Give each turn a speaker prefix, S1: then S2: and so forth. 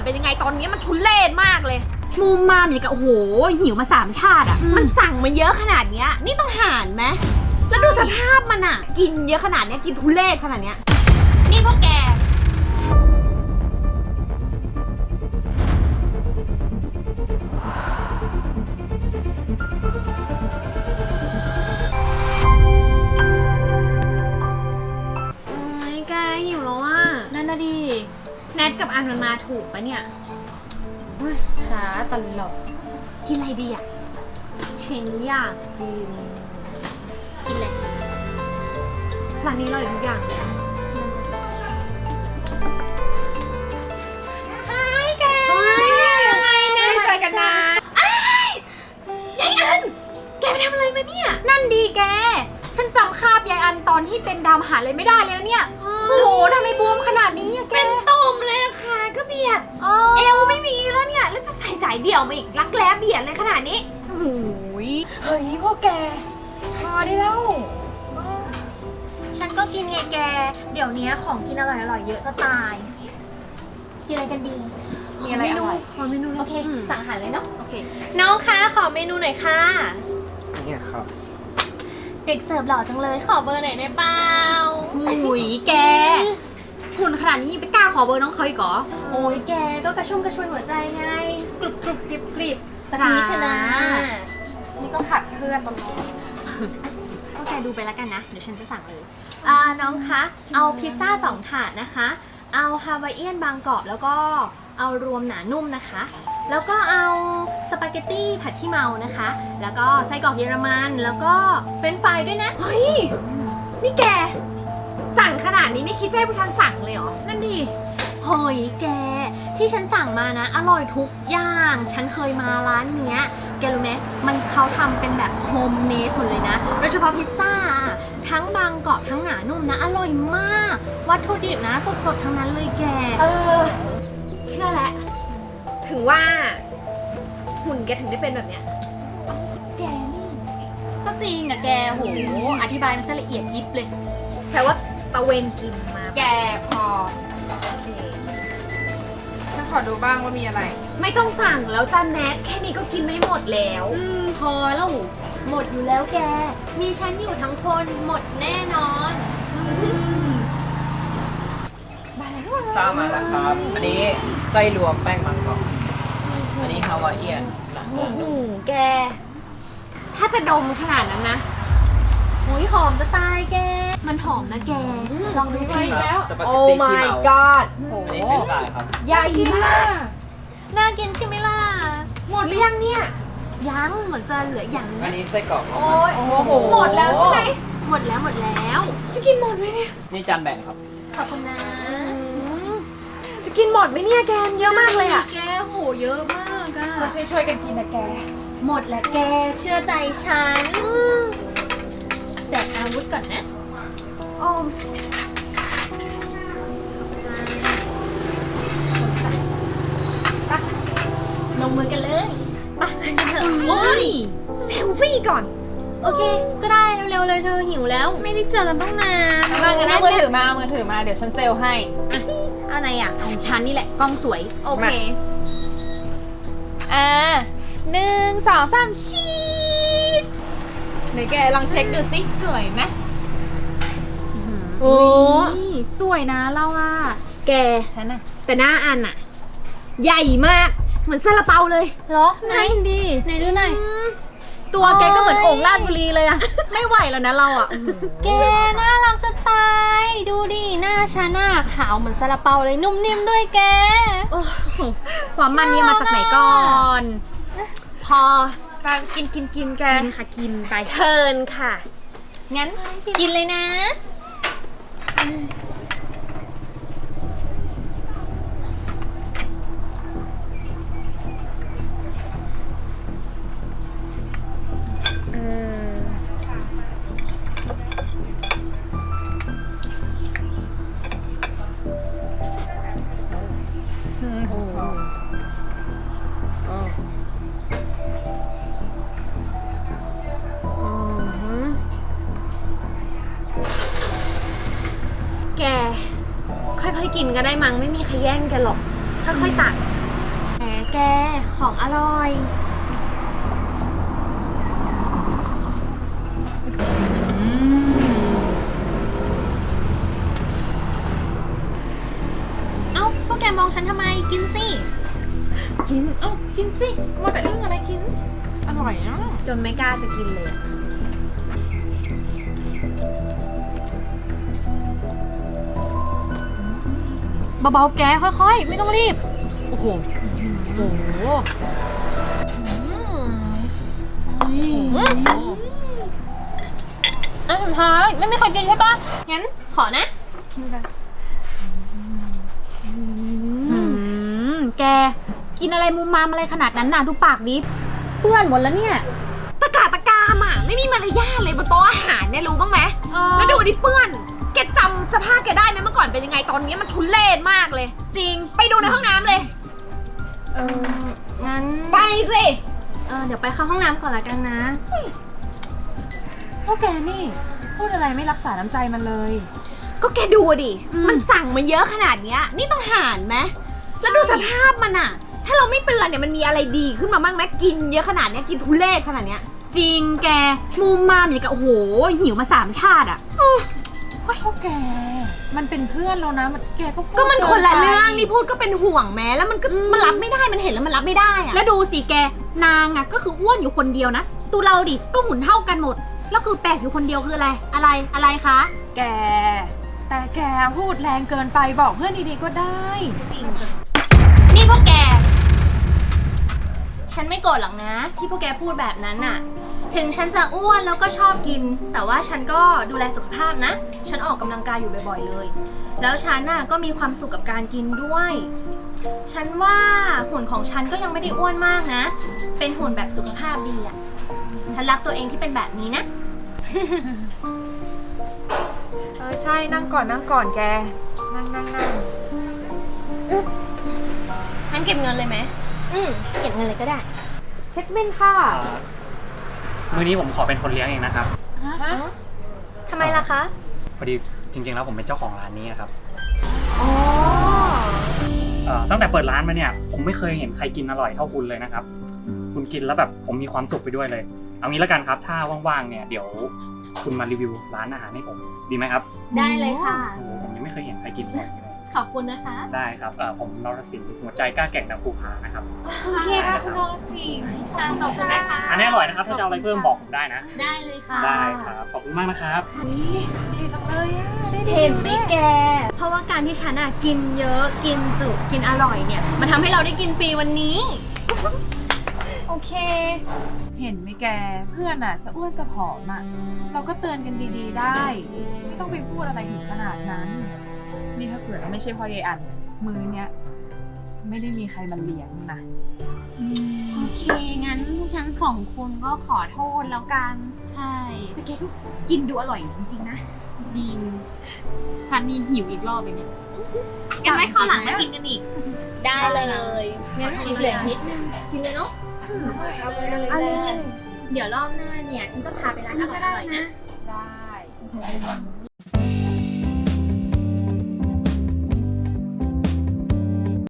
S1: เป็นยังไงตอนนี้มันทุเรศมากเลย
S2: มุมมามอย่างกับโอ้โหหิวมา3 ชาติอ่ะ
S1: มันสั่งมาเยอะขนาดเนี้ยนี่ต้องหารไหมแล้วดูสภาพมันอ่ะกินเยอะขนาดเนี้ยกินทุเรศขนาดเนี้ย
S2: นี่พวกแก
S1: แกหิวแล้วอ่ะ
S2: นั่นน่ะดิแนทกับอันมันมาถูกปะเนี่ยช้าตลอด
S1: กินอะไรดีอ่ะฉันอยากกินอะไรร้านนี้อร่อยทุกอย่างเลยแกไม่เจอกันนานยายอันแกไปทำอะไรมาเนี่ย
S2: นั่นดีแกฉันจำคาบยายอันตอนที่เป็นดาวมหาเลยไม่ได้เลยนะเนี่ยโอ้โหทำไมบวมขนาดนี้อะแก
S1: เป็นตุ่มเลยค่ะก็เบียดเอวไม่มีแล้วเนี่ยแล้วจะใส่สายเดี่ยวมาอีกรักแร้เบียดเลยขนาดนี้
S2: โอ้ย
S3: เฮ้ยพวกแกพอได้แล้ว
S2: ฉันก็กินไงแกเดี๋ยวนี้ของกินอร่อยๆเยอะจะตายกินอะไรกันดี
S3: มีอะไรอร่อย
S1: ขอเมนู
S2: โอเคสั่งอาหารเลยเนาะโอเค
S1: น้องคะขอเมนูหน่อยค่ะ
S4: เนี่ยครับ
S2: เด็กเสิร์ฟหล่อจังเลยขอเบอร์หน่อยได้เปล่าหุยแกหุ่นขนาดนี้ยังไปกล้าขอเบอร์น้องเขาอีกเหรอ
S1: โอ้ยแกก็กระชุ่มกระชวยหัวใจไงกรุบกรุบกริบกริบสักนิดเถอะนะ
S3: นี่ก็ผัดเพื่อนตรงนี้
S2: ก็แกดูไปแล้วกันนะเดี๋ยวฉันจะสั่งเลย
S1: น้องคะเอาพิซซ่า2 ถาดนะคะเอาฮาวายเอียนบางกรอบแล้วก็เอารวมหนานุ่มนะคะแล้วก็เอาสปาเกตตี้ผัดขี้เมานะคะแล้วก็ไส้กรอกเยอรมันแล้วก็เฟรนช์ฟรายด้วยนะเฮ้ยนี่แกสั่งขนาดนี้ไม่คิดจะให้ผู้ชันสั่งเลยเหรอ
S2: นั่นดิ
S1: เฮ้ยแกที่ฉันสั่งมานะอร่อยทุกอย่างฉันเคยมาร้านเนี้ยแกรู้ไหมมันเขาทำเป็นแบบโฮมเมดหมดเลยนะโดยเฉพาะพิซซ่าทั้งบางกรอบทั้งหนานุ่มนะอร่อยมากวัตถุดิบนะสดๆทั้งนั้นเลยแกเชื่อแล้วถึงว่าหุ่นแกถึงได้เป็นแบบเนี้ย
S2: แกนี่ก็จริงอะแกโหอธิบายมันซะละเอียดยิบเลย
S1: แปลว่าตะเวนกินมา
S3: แกพอฉันขอดูบ้างว่ามีอะไร
S1: ไม่ต้องสั่งแล้วจ้าแนทแค่นี้ก็กินไม่หมดแล้ว
S2: พอแล้ว
S1: หมดอยู่แล้วแกมีฉันอยู่ทั้งคนหมดแน่นอน
S4: ทราบมาแล้วครับอันนี้ไส้รวมแป้งมันกรอบอันนี้ฮาวายเอียน
S1: แกถ้าจะดมขนาดนั้นนะโอ้ยหอมจะตายแกมันหอมนะแกลองดูสิ
S4: แล้วโอ้
S1: my god
S4: อันนี้เป็นลายครับ
S1: ใหญ่มากน่ากินใช่ไหมล่ะหมดหรือยังเนี่ยยังเหมือนจะเหลืออย่างนี้
S4: อันนี้ไส้กรอก
S1: โอ้โหหมดแล้วใช่ไหมหมดแล้วจะกินหมดไหมเนี่ย
S4: นี่จานแบ่งครับ
S1: ขอบคุณนะจะกินหมดไหมเนี่ยแกเยอะมากเลยอ่ะ
S2: แกโหเยอะมากอะ
S3: เราช่วยกันกินนะแก
S1: หมดแล้วแกเชื่อใจฉันแจกอาวุธก่อนนะลงมือกันเลยไปกันเถอะโอ้ยเซลฟี่ก่อนโอเคก็ได้เร็วๆเลยเธอหิวแล้วไม่ได้เจอกันตั้งนาน
S3: มากันนะมือถือมาเดี๋ยวฉันเซลให้
S1: อะไรอ่ะ
S2: ของฉันนี่แหละกล้องสวย
S1: โอเค1 2 3ชีสไหนแกลองเช็คดูสิสวยไหม
S2: โอ้สวยนะเราอะ
S1: แก
S3: ฉันอะ
S1: แต่หน้าอันอะใหญ่มากเหมือนซาลาเปาเลย
S2: เหรอไหนดิ
S1: ไหนดูหน่อย
S2: ตัวแกก็เหมือนโอ่งลาดบุรีเลยอะไม่ไหวแล้วนะเราอะ
S1: แกน่ารักจะตายดูดิหน้าฉันอะขาวเหมือนซาลาเปาเลยนุ่มนิ่มด้วยแก
S2: ความมันนี่มาจากไหนก่อน
S1: พอกินแก
S2: กินค่ะกินไป
S1: เชิญค่ะงั้นกินเลยนะค่อยๆกินก็ได้มั้งไม่มีใครแย่งแกหรอกค่อยๆตักแกของอร่อยเอ้าพวกแกมองฉันทำไมกินสิ
S3: กิน เอ้ากินสิมาแต่อึ้งอะไรกิน อร่อยอ่ะ
S1: จนไม่กล้าจะกินเลย
S2: เบาๆแกค่อยๆ ไม่ต้องรีบ โอ้โห โอ้โห
S3: อ่ะสุดท้ายไม่เคยกินใช่ปะ
S1: งั้นขอนะ
S2: แก กินอะไรมุมมามอะไรขนาดนั้นน่ะ ดูปากดิเปื้อนหมดแล้วเนี่ย
S5: ตะกาตะกามอ่ะไม่มีมารยาทเลยบนโต๊ะอาหารเนี่ยรู้บ้างไหม
S2: เออ
S5: แล้วดูดิเปื้อนแกจำสภาพแกได้ไหมเมื่อก่อนเป็นยังไงตอนนี้มันทุเรศมากเลย
S2: จริง
S5: ไปดูในห้องน้ำเลย
S1: งั้น
S5: ไปสิ
S1: เดี๋ยวไปเข้าห้องน้ำก่อนละกันนะ
S3: พวกแกนี่ พูดอะไรไม่รักษาน้ำใจมันเลย
S5: ก็แกดูดิมันสั่งมาเยอะขนาดเนี้ยนี่ต้องหารไหมแล้วดูสภาพมันอ่ะ ถ้าเราไม่เตือนเนี่ยมันมีอะไรดีขึ้นมาบ้างไหมกินเยอะขนาดเนี้ยกินทุเรศขนาดเนี้ย
S2: จริงแก มุมมามอย่างกับโอ้โห หิวมา3 ชาติอ่ะ
S3: พวกแก มันเป็นเพื่อนแล้วนะแกก็พูด
S5: ก็มันคนละ
S3: กิไป
S5: เรื่องนี่พูดก็เป็นห่วงแม้แล้วมันก็มันรับไม่ได้มันเห็นแล้วมันรับไม่ได้อะ
S2: แล้วดูสิแก นางอ่ะก็คืออ้วนอยู่คนเดียวนะตูเราดิ ก็หุ่นเท่ากันหมด แล้วคือแปลกอยู่คนเดียวคืออะไร อะไรคะ
S3: แก แต่แกพูดแรงเกินไปบอกเพื่อนดีๆก็ได้
S1: นี่พวกแก ฉันไม่โกรธหรอกนะ ที่พวกแกพูดแบบนั้นน่ะ ถึงฉันจะอ้วนแล้วก็ชอบกิน แต่ว่าฉันก็ดูแลสุขภาพนะ ฉันออกกำลังกายอยู่บ่อยๆเลย แล้วฉันน่ะก็มีความสุขกับการกินด้วย ฉันว่าหุ่นของฉันก็ยังไม่ได้อ้วนมากนะ เป็นหุ่นแบบสุขภาพดีอะฉันรักตัวเองที่เป็นแบบนี้นะ
S3: ใช่นั่งก่อนแก นั่ง
S1: งั้นเก็บเงินเลยไหมเก็บเงินเลยก็ได้
S3: เช็คบินค่ะ
S6: มื้อนี้ผมขอเป็นคนเลี้ยงเองนะครับ
S1: ทำไมล่ะคะ
S6: พอดีจริงๆแล้วผมเป็นเจ้าของร้านนี้ครับ
S1: อ๋อ
S6: ตั้งแต่เปิดร้านมาเนี่ยผมไม่เคยเห็นใครกินอร่อยเท่าคุณเลยนะครับ คุณกินแล้วแบบผมมีความสุขไปด้วยเลย เอางี้แล้วกันครับ ถ้าว่างๆเนี่ยเดี๋ยวคุณมารีวิวร้านอาหารให้ผมดีไหมครับ
S1: ได้เลยค่ะ
S6: โอ้โหผมยังไม่เคยเห็นใครกินอร่อยเลย
S1: ขอบคุณนะคะ
S6: ได้ครับผมนรสิงห์หัวใจกล้าแกร่งดาวภูผานะครับ
S2: โอเคค่ะคุณนรสิงห์
S1: ค่ะขอบคุณนะคะ
S6: อันนี้อร่อยนะครับถ้าจะเอาอะไรเพิ่มบอกผมได้นะ
S1: ได้เลยค่ะ
S6: ได้ครับขอบคุณมากนะครับ
S3: ดีจังเลยอ่ะ
S1: เห็นไหมแก เพราะว่าการที่ฉันอะกินเยอะ กินจุกินอร่อยเนี่ย มันทำให้เราได้กินฟรีวันนี้
S2: โอเค
S3: เห็นไหมแก เพื่อนอ่ะจะอ้วนจะผอมอ่ะ เราก็เตือนกันดีๆได้ ไม่ต้องไปพูดอะไรถึงขนาดนั้น นี่ถ้าเกิดว่าไม่ใช่เพ่อยายอัน มื้อเนี้ยไม่ได้มีใครมาเลี้ยงนะ
S2: โอเค งั้นพวกฉัน2 คนก็ขอโทษแล้วกัน ใช่
S5: แต่แกก็กินดูอร่อยจริงๆนะ
S2: จริง ฉันนี่หิวอีกรอบเลยเนี่ยกันไว้ข้าวหลังมากินกันอีก
S1: ได้เลยงั้นเหลือนิดนึง กินเลยเนาะเอาเลยเดี๋ยวรอบหน้าเนี่ย ฉันจะพาไปร้านอร่อยๆนะ
S3: ได้